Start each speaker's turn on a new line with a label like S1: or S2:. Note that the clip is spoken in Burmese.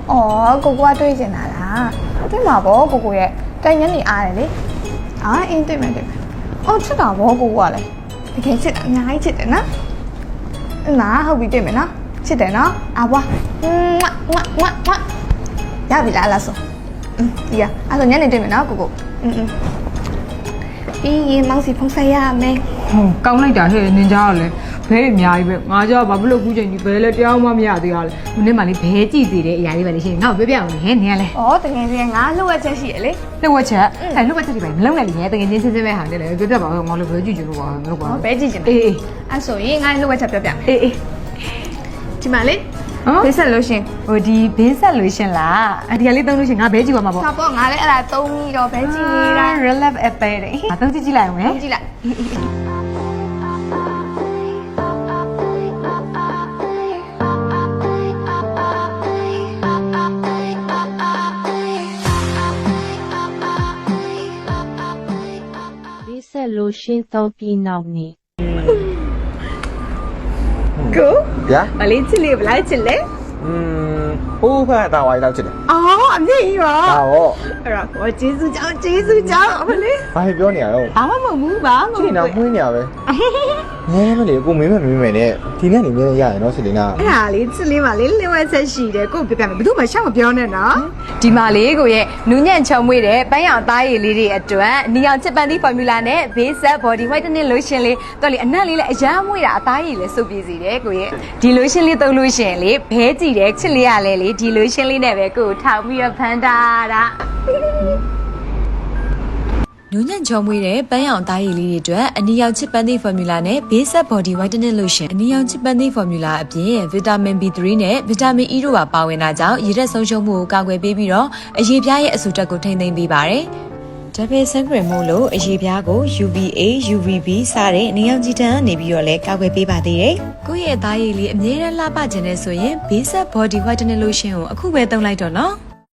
S1: 哦，哥哥对进来啦，对嘛不？哥哥耶，但人你爱嘞，啊，对没？哦，知道不？哥哥嘞，你看吃的，你爱吃的呢？那好比对没呢？吃的呢？啊不，要不来了说，对呀，啊说人你对没呢？哥哥，咦，忙死碰晒呀没？
S2: ကောင်းလိုက်တာဟဲ့နင်ကြားရလဲဘဲအများကြီးပဲငါကြောက်ဘာဖြစ်လို့ခုချိန်ဒီဘဲလဲတရားမှမရသေးရလဲမနေ့မှလေးဘဲကြည့်သေးတဲ့အရာလေးပဲလေရှင်ငါ့ကိုပြောပြအောင်လေဟဲ့နင်ကလဲ
S1: 哦，等下先，俺录个这些嘞。
S2: လှုပ်ဝက်ချက်အဲလှုပ်ဝက်ချက်ဒီပိုင်းမလုံးနဲ့လေတကယ်ချင်းချင်းချင်းပဲဟာတယ်လေပြောပြပါဦးငါလည်းဘဲကြည့်ကြည့်လို့ပါမလုပ်ပါ
S1: 哦，
S2: ဘူး
S1: 白记进来。
S2: အေးအေး
S1: 俺所以俺录个这表表。
S2: အေးအေး
S1: 去哪里？
S2: ဟမ်
S1: 白色流行。
S2: ဟိုဒီဘင်းဆက်လို့ရှင်လားအဒီကလေးသုံးလို့ရှင်ငါဘဲကြည့်ပါမှာပေါ့
S1: 差不多，俺嘞来东一了，白记啦。
S2: relap app ပဲတဲ့ငါသုံးကြည့်ကြည့်လိုက်အောင်လေ
S1: 东记来。
S3: ဒီဆက်လို့ရှင်းသုံးပြီးနောက်နေ
S1: 哥，
S4: ဗျာ
S1: 我来这里不来这里。
S4: ဟိုးဖက်တာဝိုင်းတော့ချစ်တယ်
S1: 哦，没有。
S4: ဒါတော့
S1: 我结束讲，我嘞。
S4: ဘာဖြစ်ပြောနေရတော့
S1: 俺们没木吧？
S4: ချစ်နေတာမွေးနေရပဲငဲမလေးကိုမင်းမနဲ့ဒီနေ့နေမင်းရရင်တော့စစ်လင်းက
S1: 哎呀，你这里嘛，你另外才洗的，给我表表，不都没想我表呢呢？ဒီမှာလေးကိုရဲ့နူးညံ့ချုံမွေးတဲ့ပန်းရောင်သားရည်လေးတွေအတွက်နီယောင်ချစ်ပန်သီး formula နဲ့ base set body whitening lotion လေးတော့လေအနက်လေးလည်းအရမ်းမွေးတာအသားရည်လည်းစုပ်ပြည့်စေတယ်ကိုရဲ့ဒီ lotion လေးသုံးလို့ရှိရင်လေဘဲကြည့်တဲ့ချစ်လေးရလဲလေဒီ lotion လေးနဲ့ပဲကိုကိုထောင်ပြီးတော့ဖန်တာတာ
S5: နူးညံ့ချောမွေးတဲ့ပန်းရောင်သားရည်လေးတွေအတွက်အနီရောင်ချစ်ပန်းသီး formula နဲ့ base set body whitening lotion အနီရောင်ချစ်ပန်းသီး formula အပြင် vitamin B3 နဲ့ vitamin E တို့ပါပါဝင်တာကြောင့်ရည်ရက်ဆုံးရှုံးမှုကိုကာကွယ်ပေးပြီးတော့အရေပြားရဲ့အဆူတက်ကိုထိန်းသိမ်းပေးပါတယ်။ double sun cream မို့လို့အရေပြားကို UVA, UVB စတဲ့နေရောင်ခြည်တန်းကနေပြီးတော့လည်းကာကွယ်ပေးပါသေးတယ်။ကိုယ့်ရဲ့သားရည်လေးအမြဲတမ်းလှပခြင်းနဲ့ဆိုရင် base set body whitening lotion ကိုအခုပဲသုံးလိုက်တော့နော်။